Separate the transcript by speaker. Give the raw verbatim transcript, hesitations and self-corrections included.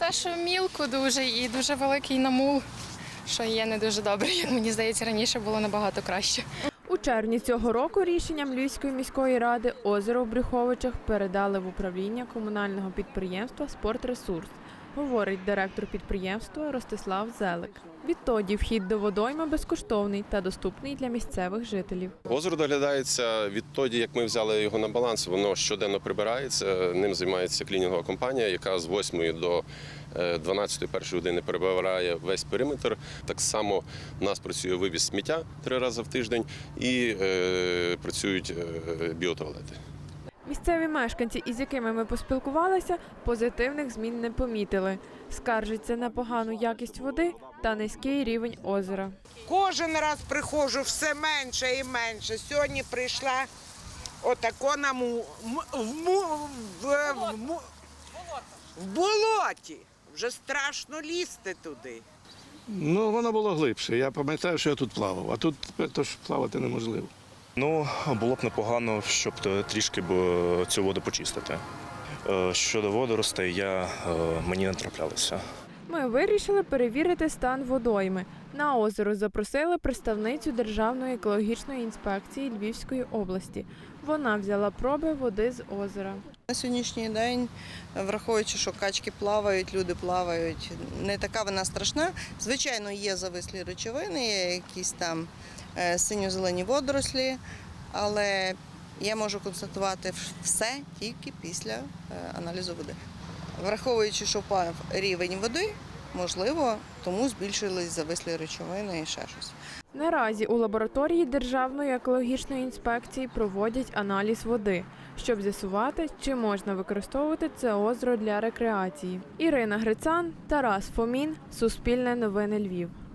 Speaker 1: те, що мілко дуже і дуже великий намул, що є не дуже добре. Як мені здається, раніше було набагато краще.
Speaker 2: У червні цього року рішенням Львівської міської ради озеро в Брюховичах передали в управління комунального підприємства «Спортресурс», говорить директор підприємства Ростислав Зелик. Відтоді вхід до водойми безкоштовний та доступний для місцевих жителів.
Speaker 3: Озеро доглядається відтоді, як ми взяли його на баланс, воно щоденно прибирається, ним займається клінінгова компанія, яка з восьмої до дванадцятої першої години прибирає весь периметр. Так само у нас працює вивіз сміття три рази в тиждень і е, працюють е, біотуалети.
Speaker 2: Місцеві мешканці, із якими ми поспілкувалися, позитивних змін не помітили. Скаржаться на погану якість води та низький рівень озера.
Speaker 4: Кожен раз приходжу все менше і менше. Сьогодні прийшла отако на му, в, му, в, в, му, в болоті. Вже страшно лізти туди.
Speaker 5: Ну, воно було глибше. Я пам'ятаю, що я тут плавав, а тут тож плавати неможливо.
Speaker 6: Ну, було б непогано, щоб трішки цю воду почистити. Щодо водоростей, я, мені не траплялося.
Speaker 2: Ми вирішили перевірити стан водойми. На озеро запросили представницю Державної екологічної інспекції Львівської області. Вона взяла проби води з озера.
Speaker 7: На сьогоднішній день, враховуючи, що качки плавають, люди плавають, не така вона страшна. Звичайно, є завислі речовини, є якісь там синьо-зелені водорослі, але я можу констатувати все тільки після аналізу води. Враховуючи, що впав рівень води, можливо, тому збільшились завислі речовини і ще щось.
Speaker 2: Наразі у лабораторії Державної екологічної інспекції проводять аналіз води, щоб з'ясувати, чи можна використовувати це озеро для рекреації. Ірина Грицан, Тарас Фомін, Суспільне новини Львів.